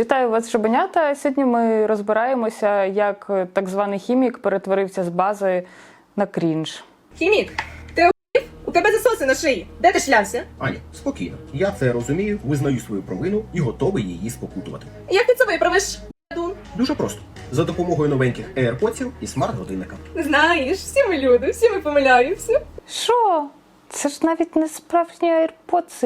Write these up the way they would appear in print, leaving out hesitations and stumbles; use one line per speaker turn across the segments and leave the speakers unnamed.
Вітаю вас, шабенята! Сьогодні ми розбираємося, як так званий хімік перетворився з бази на крінж.
Хімік, ти охуїв? У тебе засоси на шиї. Де ти шлявся?
Аня, спокійно. Я це розумію, визнаю свою провину і готовий її спокутувати.
Як ти це виправиш, дун?
Дуже просто. За допомогою новеньких AirPods і смарт-годинника.
Знаєш, всі ми люди, всі ми помиляємося.
Що? Це ж навіть не справжні AirPods.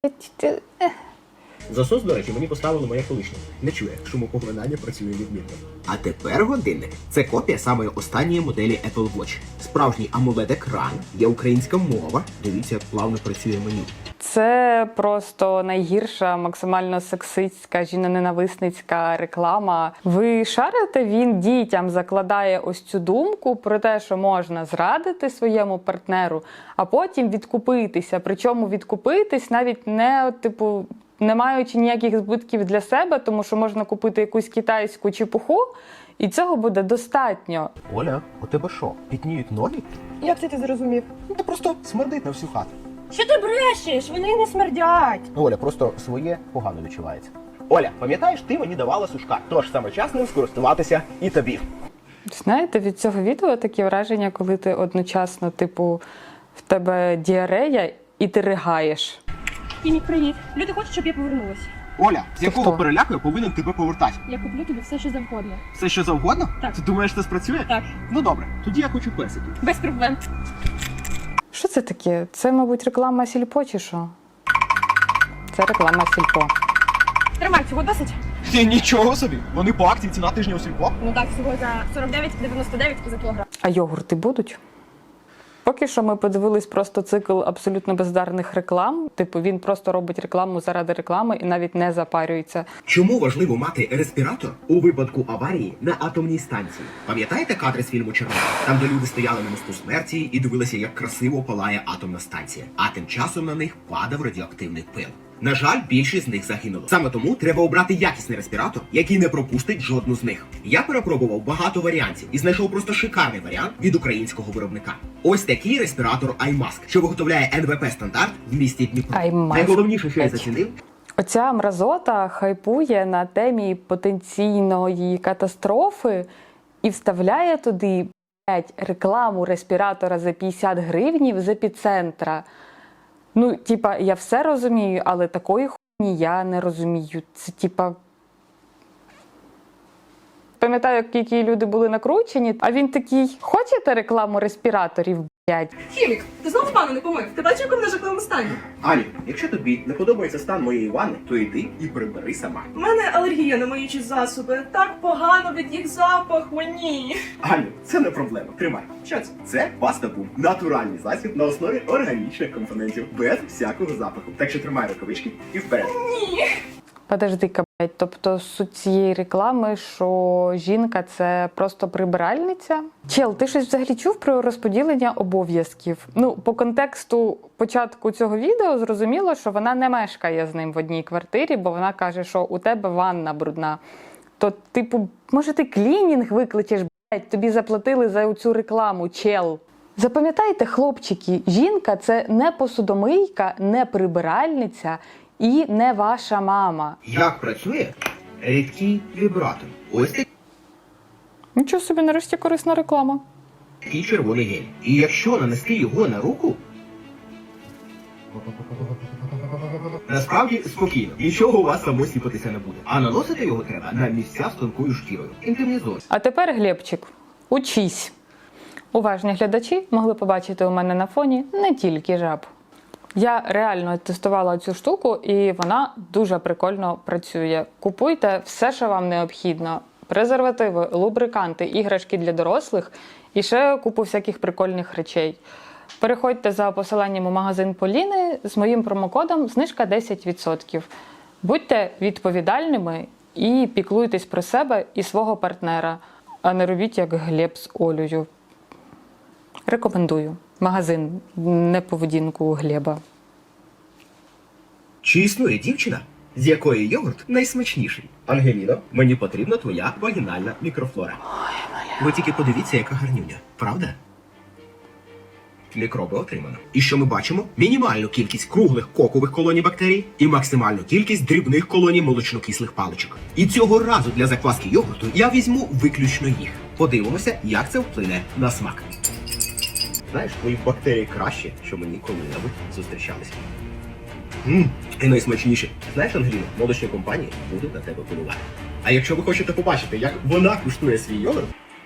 Засос, до речі, мені поставили моя колишня. Не чує, шумопоглинання працює відмінно. А тепер годинник. Це копія самої останньої моделі Apple Watch. Справжній AMOLED-екран, є українська мова. Дивіться, як плавно працює меню.
Це просто найгірша, максимально сексистська, жіноненависницька реклама. Ви шарите, він дітям закладає ось цю думку про те, що можна зрадити своєму партнеру, а потім відкупитися. Причому відкупитись навіть не, не маючи ніяких збитків для себе, тому що можна купити якусь китайську чепуху, і цього буде достатньо.
Оля, у тебе що, пітніють ноги?
Як це ти зрозумів?
Ну, ти просто смердить на всю хату.
Що ти брешеш? Вони не смердять.
Оля, просто своє погано відчувається. Оля, пам'ятаєш, ти мені давала сушка, тож саме час ним скористуватися і тобі.
Знаєте, від цього відео такі враження, коли ти одночасно, в тебе діарея і ти ригаєш.
Хімік, привіт. Люди хочуть, щоб я повернулася.
Оля, з якого
хто?
переляку я повинен тебе повертати?
Я куплю тобі все, що завгодно.
Все, що завгодно?
Так.
Ти думаєш, це спрацює?
Так.
Ну добре, тоді я хочу персиків.
Без проблем.
Що це таке? Це, мабуть, реклама Сільпо чи що? Це реклама Сільпо.
Тримай, цього досить?
Нічого собі, вони по акції ціна тижня у сільпо.
Ну так, всього за 49,99 за кілограм.
А йогурти будуть? Поки що ми подивились просто цикл абсолютно бездарних реклам. Він просто робить рекламу заради реклами і навіть не запарюється.
Чому важливо мати респіратор у випадку аварії на атомній станції? Пам'ятаєте кадри з фільму «Чорнобиль»? Там, де люди стояли на мосту смерті і дивилися, як красиво палає атомна станція. А тим часом на них падав радіоактивний пил. На жаль, більшість з них загинуло. Саме тому треба обрати якісний респіратор, який не пропустить жодну з них. Я перепробував багато варіантів і знайшов просто шикарний варіант від українського виробника. Ось такий респіратор iMask, що виготовляє НВП стандарт в місті Дніпро.
iMask.
Найголовніше, що я зацінив,
Оця мразота хайпує на темі потенційної катастрофи і вставляє туди, рекламу респіратора за 50 гривнів з епіцентра. Ну, я все розумію, але такої хуйні я не розумію. Це, пам'ятаю, які люди були накручені, а він такий, хочете рекламу респіраторів, блядь?
Хімік, ти знову ванну не помив? Ти бачив, як вона в жахливому стані?
Ані, якщо тобі не подобається стан моєї ванни, то йди і прибери сама.
У мене алергія на миючі засоби. Так погано від їх запаху, ні.
Аню, це не проблема. Тримай. Що це? Це паста Бум. Натуральний засіб на основі органічних компонентів, без всякого запаху. Так що тримай рукавички і вперед.
Ні.
Подожди-ка, блядь, тобто суть цієї реклами, що жінка – це просто прибиральниця? Чел, ти щось взагалі чув про розподілення обов'язків? Ну, по контексту початку цього відео зрозуміло, що вона не мешкає з ним в одній квартирі, бо вона каже, що у тебе ванна брудна. То, може ти клінінг викличеш, блядь, тобі заплатили за цю рекламу, чел. Запам'ятайте, хлопчики, жінка – це не посудомийка, не прибиральниця і не ваша мама.
Як працює рідкий вібратор? Ось
Нічого собі, нарешті корисна реклама.
такий червоний гель. І якщо нанести його на руку, насправді спокійно, нічого у вас само сіпатися не буде. А наносити його треба на місця з тонкою шкірою. Інтимні зони.
А тепер, Глебчик, учись. Уважні глядачі могли побачити у мене на фоні не тільки жаб. Я реально тестувала цю штуку, і вона дуже прикольно працює. Купуйте все, що вам необхідно. Презервативи, лубриканти, іграшки для дорослих і ще купу всяких прикольних речей. Переходьте за посиланням у магазин Поліни з моїм промокодом знижка 10%. Будьте відповідальними і піклуйтесь про себе і свого партнера, а не робіть як Глеб з Олею. Рекомендую. Магазин «Не поведінку Глеба».
Чи існує дівчина, з якої йогурт найсмачніший? Ангеліно, мені потрібна твоя вагінальна мікрофлора. Ви тільки подивіться, яка гарнюня, правда? мікроби отримано. І що ми бачимо? Мінімальну кількість круглих кокових колоній бактерій і максимальну кількість дрібних колоній молочнокислих паличок. І цього разу для закваски йогурту я візьму виключно їх. Подивимося, як це вплине на смак. Знаєш, твої бактерії краще, що мені коли-небудь зустрічалися. І найсмачніше. Знаєш, Ангеліно, молочні компанії будуть на тебе полювати. А якщо ви хочете побачити, як вона куштує свій йогурт,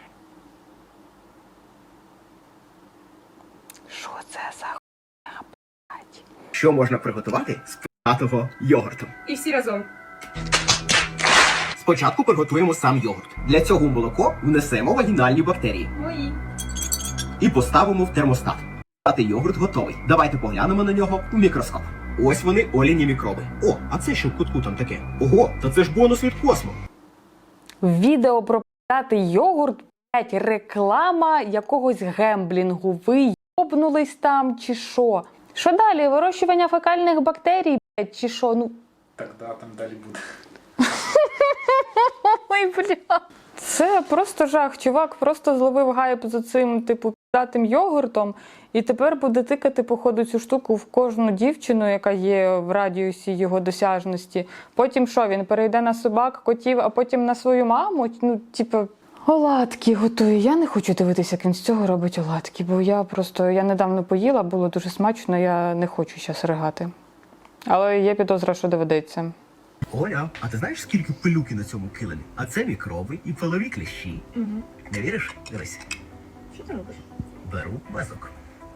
Що це за хуйня, блядь?
що можна приготувати з п'ятого йогурту?
І всі разом.
Спочатку приготуємо сам йогурт. Для цього в молоко внесемо вагінальні бактерії
Мої.
і поставимо в термостат. Йогурт готовий. Давайте поглянемо на нього в мікроскоп. Ось вони, Оліні мікроби. О, а це що в кутку там таке? Ого, та це ж бонус від Космо.
Відео про п'ятий йогурт, блядь, реклама якогось гемблінгу. Ви йобнулись там чи що? Що далі? Вирощування фекальних бактерій, блядь, чи що? Ну,
Так, да, там далі буде.
ой, бля. Це просто жах. Чувак просто зловив гайп за цим, типу, п'ятим йогуртом, і тепер буде тикати, походу, цю штуку в кожну дівчину, яка є в радіусі його досяжності. Потім що, він перейде на собак, котів, а потім на свою маму? Ну, типу, оладки готує. Я не хочу дивитися, як він з цього робить оладки, бо я недавно поїла, було дуже смачно, я не хочу зараз ригати. Але є підозра, що доведеться.
Оля, а ти знаєш, скільки пилюки на цьому килимі? А це мікроби і пилові кліщі.
Угу.
Не віриш? Дивись.
Що ти робиш?
Беру мазок.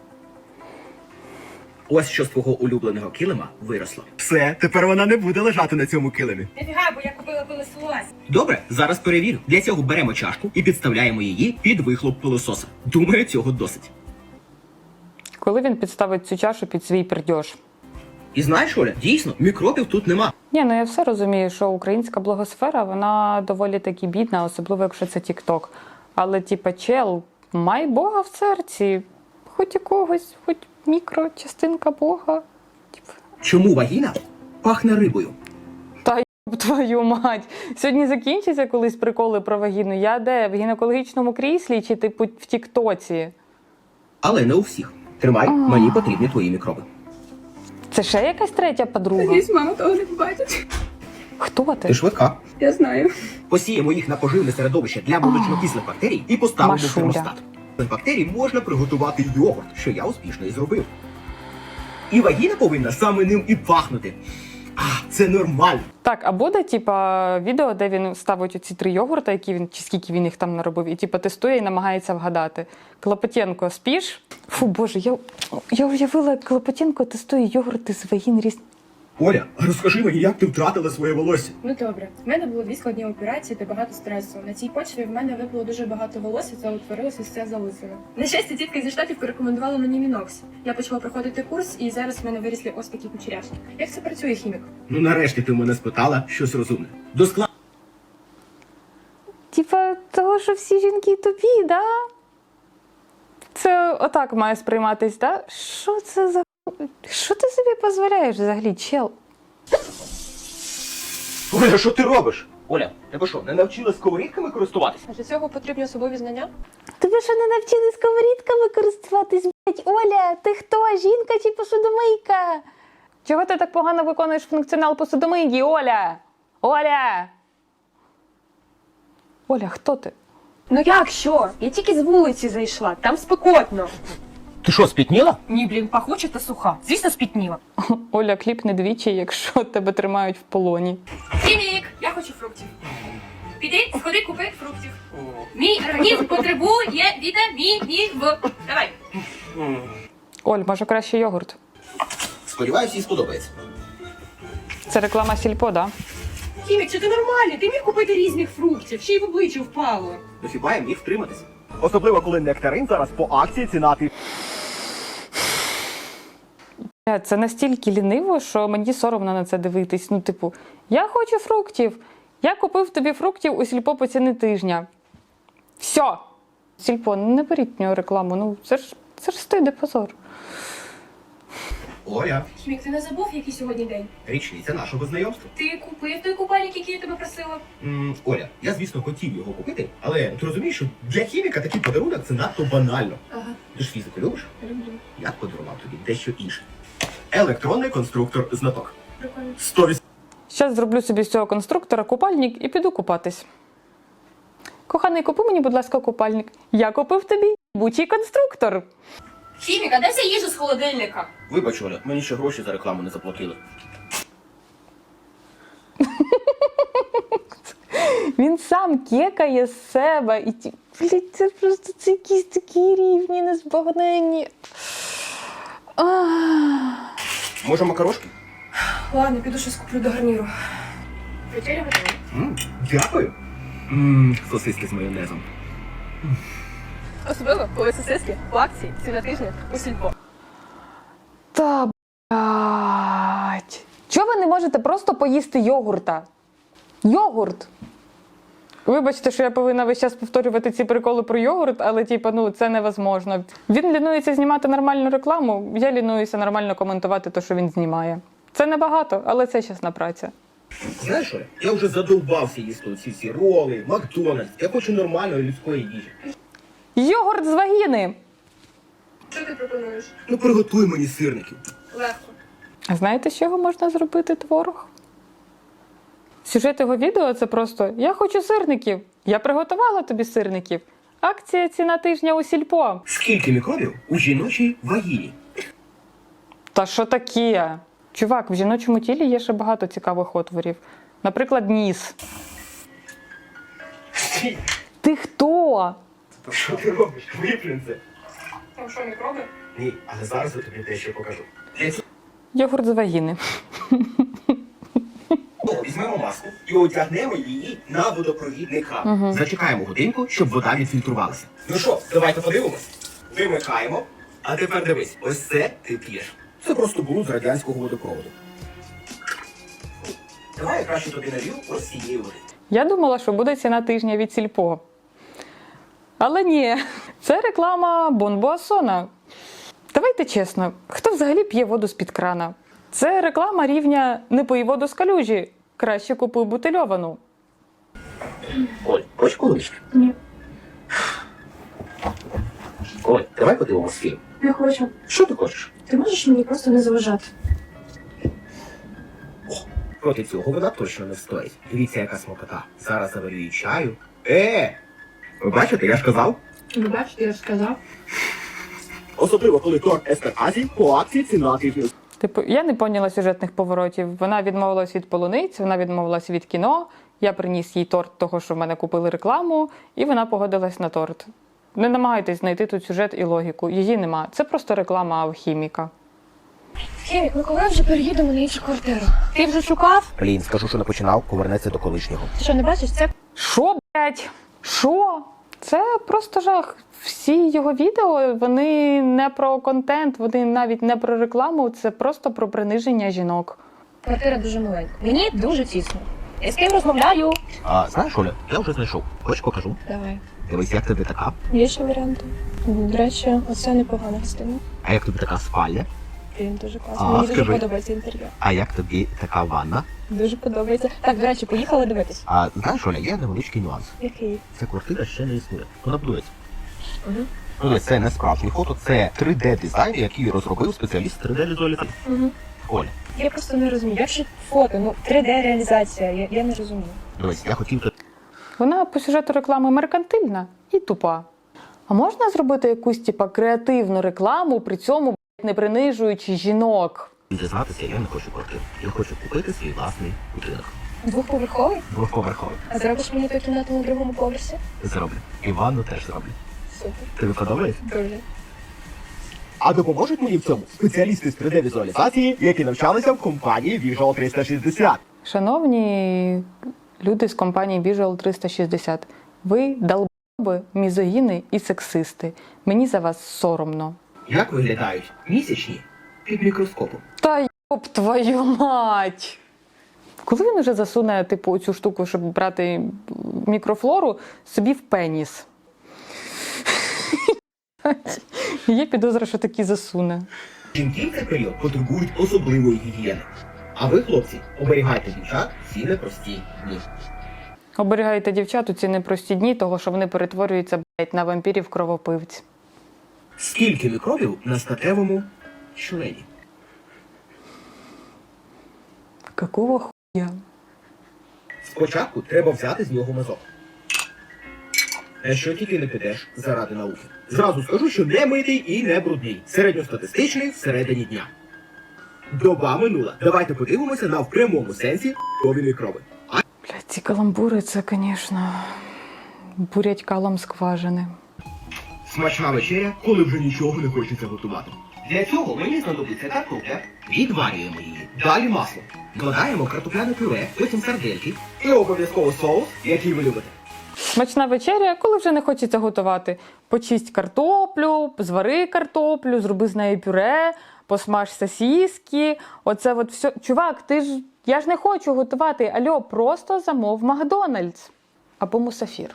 Ось що з твого улюбленого килима виросло. Все, тепер вона не буде лежати на цьому килимі.
Нафіга, бо я купила пилосос.
Добре, зараз перевірю. Для цього беремо чашку і підставляємо її під вихлоп пилососа. Думаю, цього досить.
Коли він підставить цю чашу під свій пердьош?
І знаєш, Оля, дійсно, мікробів тут нема.
Ні, ну я все розумію, що українська блогосфера, вона доволі таки бідна, особливо якщо це TikTok. Але, типа, чел, май Бога в серці. Хоч якогось, хоч мікрочастинка Бога. Типа.
Чому вагіна пахне рибою?
Та й твою мать. Сьогодні закінчиться колись приколи про вагіну. Я де? В гінекологічному кріслі чи типу в Тіктоці?
Але не у всіх. Тримай, мені потрібні твої мікроби.
Це ще якась третя подруга?
Надіюсь, мама того не побачить.
Хто ти?
Ти швидка.
Я знаю.
Посіємо їх на поживне середовище для молочнокислих бактерій і поставимо в
Машуля.
термостат. З бактерій можна приготувати йогурт, що я успішно і зробив. І вагіна повинна саме ним і пахнути. Це нормально.
Так, а буде, типа, відео, де він ставить оці 3 йогурта, які він, чи скільки він їх там наробив, і типа тестує і намагається вгадати. Клопотенко, спіш? Фу, боже, я уявила, як Клопотенко тестує йогурти з вагін різних.
Оля, розкажи мені, як ти втратила своє волосся?
Ну добре, в мене було 2 складні операції та багато стресу. На цій почві в мене випало дуже багато волосся та утворилося все залисина. На щастя, тітка зі штатів порекомендувала мені Мінокс. Я почала проходити курс, і зараз в мене вирісли ось такі кучеряшки. Як це працює, хімік?
Ну нарешті ти в мене спитала щось розумне. До складу
Типа, того, що всі жінки тупі, да? Це отак має сприйматись, да? Що це за... Що ти собі дозволяєш взагалі, чел?
Оля, що ти робиш? Оля, тебе що, не навчила сковорідками користуватися?
А для цього потрібні особові знання?
Тебе що не навчили сковорідками користуватись, блять? Оля, ти хто? Жінка чи посудомийка? Чого ти так погано виконуєш функціонал посудомийки, Оля? Оля! Оля, хто ти?
Ну як що? Я тільки з вулиці зайшла, там спекотно.
Ти що, спітніла?
Ні, блін, пахуча та суха. Звісно, спітніла.
Оля, кліпни двічі, якщо тебе тримають в полоні.
Хімік, я хочу фруктів. Піди, сходи, купи фруктів. Мій організм потребує вітамінів. Давай.
Оль, може краще йогурт?
Сподіваюсь, їй сподобається.
Це реклама Сільпо, да?
Хімік, чи ти нормальний? Ти міг купити різних фруктів, ще й в обличчя впало.
Ну хіба я міг втриматися? Особливо, коли нектарин зараз по акції цінати.
Це настільки ліниво, що мені соромно на це дивитись. Ну, типу, я хочу фруктів. Я купив тобі фруктів у Сільпо по ціни тижня. Все. Сільпо, не беріть в нього рекламу. Ну, це ж стиде позор.
Оля,
Хімік, ти не забув, який сьогодні день?
річниця нашого знайомства.
Ти купив той купальник, який я тебе просила?
Оля, я, звісно, хотів його купити, але ти розумієш, що для хіміка такий подарунок це надто банально.
Ага,
Ти ж фізику любиш?
люблю.
Я подарував тобі дещо інше. Електронний конструктор знаток.
Прикольно.
100%.
Щас зроблю собі з цього конструктора купальник і піду купатись. Коханий, купи мені, будь ласка, купальник. Я купив тобі бучий конструктор.
Хімік, а де вся їжа з холодильника?
Вибач, Оля, мені ще гроші за рекламу не заплатили.
Він сам кекає з себе. І блядь, це просто це якісь такі рівні, незбагненні.
Може, макарошки?
Ладно, піду щось куплю до гарніру.
Вечеря готова.
Дякую. Сосиски з майонезом.
Особливо, коли сосиски в акції ціна тижня у сільпо.
Та блядь. Чого ви не можете просто поїсти йогурта? Йогурт. Вибачте, що я повинна весь час повторювати ці приколи про йогурт, але це невозможно. Він лінується знімати нормальну рекламу, я лінуюся нормально коментувати те, що він знімає. Це небагато, але це чесна праця.
Знаєш, Оля, я вже задовбався їсти оці всі роли, Макдональдс. Я хочу нормальної людської їжі.
Йогурт з вагіни!
Що ти пропонуєш?
Ну приготуй мені сирників.
Легко.
А знаєте, з чого можна зробити творог? Сюжет його відео – це просто «Я хочу сирників! Я приготувала тобі сирників! Акція ціна тижня у сільпо!»
Скільки мікробів у жіночій вагіні?
Та що таке? Чувак, в жіночому тілі є ще багато цікавих отворів. Наприклад, ніс. Ти хто?
Що ти робиш? Виплюнь це.
Там що, мікроби?
Ні, але зараз я тобі дещо покажу. Для цього
Йогурт з вагіни.
візьмемо маску і одягнемо її на водопровідника. Зачекаємо годинку, щоб вода відфільтрувалася. Ну що, давайте подивимось. Вимикаємо. А тепер дивись, ось це ти п'єш. Це просто було з радянського водопроводу. Давай я краще тобі налью ось цієї води.
Я думала, що буде ціна тижня від сільпо. Але ні, це реклама Бонбуасона. Давайте чесно, хто взагалі п'є воду з-під крана? Це реклама рівня «Не пий воду з калюжі, краще купуй бутильовану».
Оль, хочеш полунички?
Ні.
Оль, давай подивимось фільм.
Не хочу.
Що ти хочеш?
Ти можеш мені просто не заважати?
Проти цього вода точно не стоїть. Дивіться, яка смакота. Зараз заварю їй чаю. Ви бачите, я ж казав?
Ви бачите, я ж сказав.
Особливо, коли торт Естер Азі по акції ціна тижня.
Типу, я не поняла сюжетних поворотів. Вона відмовилась від полуниць, вона відмовилась від кіно. Я приніс їй торт того, що в мене купили рекламу, і вона погодилась на торт. Не намагайтесь знайти тут сюжет і логіку. Її нема. Це просто реклама алхіміка.
Хімік, ну коли вже переїдемо на іншу квартиру? Ти вже шукав?
Блін, скажу, що не починав, повернеться до колишнього.
Ти що, не бачиш? Це
Що, блядь? Що? Це просто жах. Всі його відео, вони не про контент, вони навіть не про рекламу, це просто про приниження жінок.
квартира дуже маленька. Мені дуже тісно. Я з ким розмовляю?
А знаєш, Оля, я вже знайшов. Хочеш покажу?
Давай.
Дивись, як тобі така.
Є ще варіанти. До речі, оце непогана частина.
А як тобі така спальня?
Він дуже класний.
А,
Мені дуже
скажи.
подобається інтер'єр.
А як тобі така ванна?
Дуже подобається. Так, до речі, поїхали дивитись.
А знаєш, Оля, є невеличкий нюанс.
Який?
Ця квартира ще не існує. Вона будується.
Угу.
Ну, це не справжнє фото, це 3D-дизайн, який розробив спеціаліст 3D-візуалізації.
Угу.
Оля,
Я просто не розумію. Як же фото? Ну, 3D-реалізація. Я не розумію.
дивись, я хотів
Вона по сюжету реклами меркантильна і тупа. А можна зробити якусь креативну рекламу, при цьому не принижуючи жінок?
дізнатися, я не хочу квартиру. Я хочу купити свій власний будинок.
Двохповерховий?
Двохповерховий.
А зробиш мені ту кімнату на другому поверсі?
Зроблю. І ванну теж зроблю.
Супер.
Тобі подобається?
Дуже.
А допоможуть мені в цьому спеціалісти з 3D-візуалізації, які навчалися в компанії Visual 360.
Шановні люди з компанії Visual 360, ви долбоби, мізогіни і сексисти. Мені за вас соромно.
Як виглядають місячні під мікроскопом?
Та йоп твою мать! Коли він уже засуне, цю штуку, щоб брати мікрофлору, собі в пеніс? Є підозра, що таки засуне.
Жінки в цей період потребують особливої гігієни. А ви, хлопці, оберігайте дівчат всі непрості дні.
Оберігайте дівчат у ці непрості дні, того що вони перетворюються, блядь, на вампірів-кровопивць.
Скільки мікробів на статевому члені?
Какого хуя?
Спочатку треба взяти з нього мазок. На що тільки не підеш заради науки. Зразу скажу, що не митий і не брудний. Середньостатистичний всередині дня. Доба минула. Давайте подивимося на в прямому сенсі кові мікроби.
Блядь, ці каламбури, це, звісно, бурять калом скважини.
Смачна вечеря, коли вже нічого не хочеться готувати. Для цього мені знадобиться картопля. Відварюємо її. Далі масло. Додаємо картопляне пюре, потім сардельки і обов'язково соус, який ви любите.
Смачна вечеря, коли вже не хочеться готувати. Почисть картоплю, звари картоплю, зроби з нею пюре, посмаж сосиски. Оце от все. Чувак, я ж не хочу готувати. Альо, просто замов Макдональдс. Або Мусафір.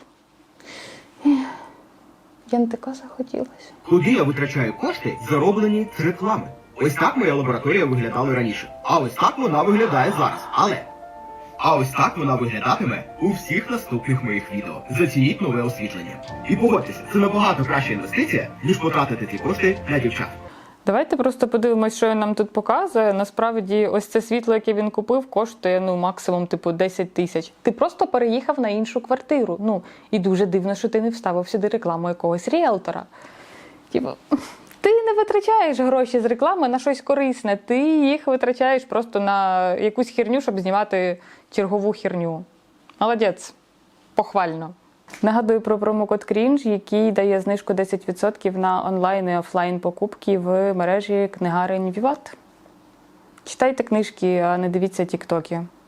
Я не така захотілася.
Куди я витрачаю кошти, зароблені з реклами? Ось так моя лабораторія виглядала раніше. А ось так вона виглядає зараз. А ось так вона виглядатиме у всіх наступних моїх відео. Зацініть нове освітлення. І погодьтеся, це набагато краща інвестиція, ніж потратити ці кошти на дівчат.
Давайте просто подивимось, що він нам тут показує. Насправді, ось це світло, яке він купив, коштує максимум 10 тисяч. Ти просто переїхав на іншу квартиру. І дуже дивно, що ти не вставив сюди рекламу якогось ріелтора. Ти не витрачаєш гроші з реклами на щось корисне, ти їх витрачаєш просто на якусь херню, щоб знімати чергову херню. Молодець. Похвально. Нагадую про промокод CRINGE, який дає знижку 10% на онлайн і офлайн покупки в мережі книгарень Віват. Читайте книжки, а не дивіться тіктоки.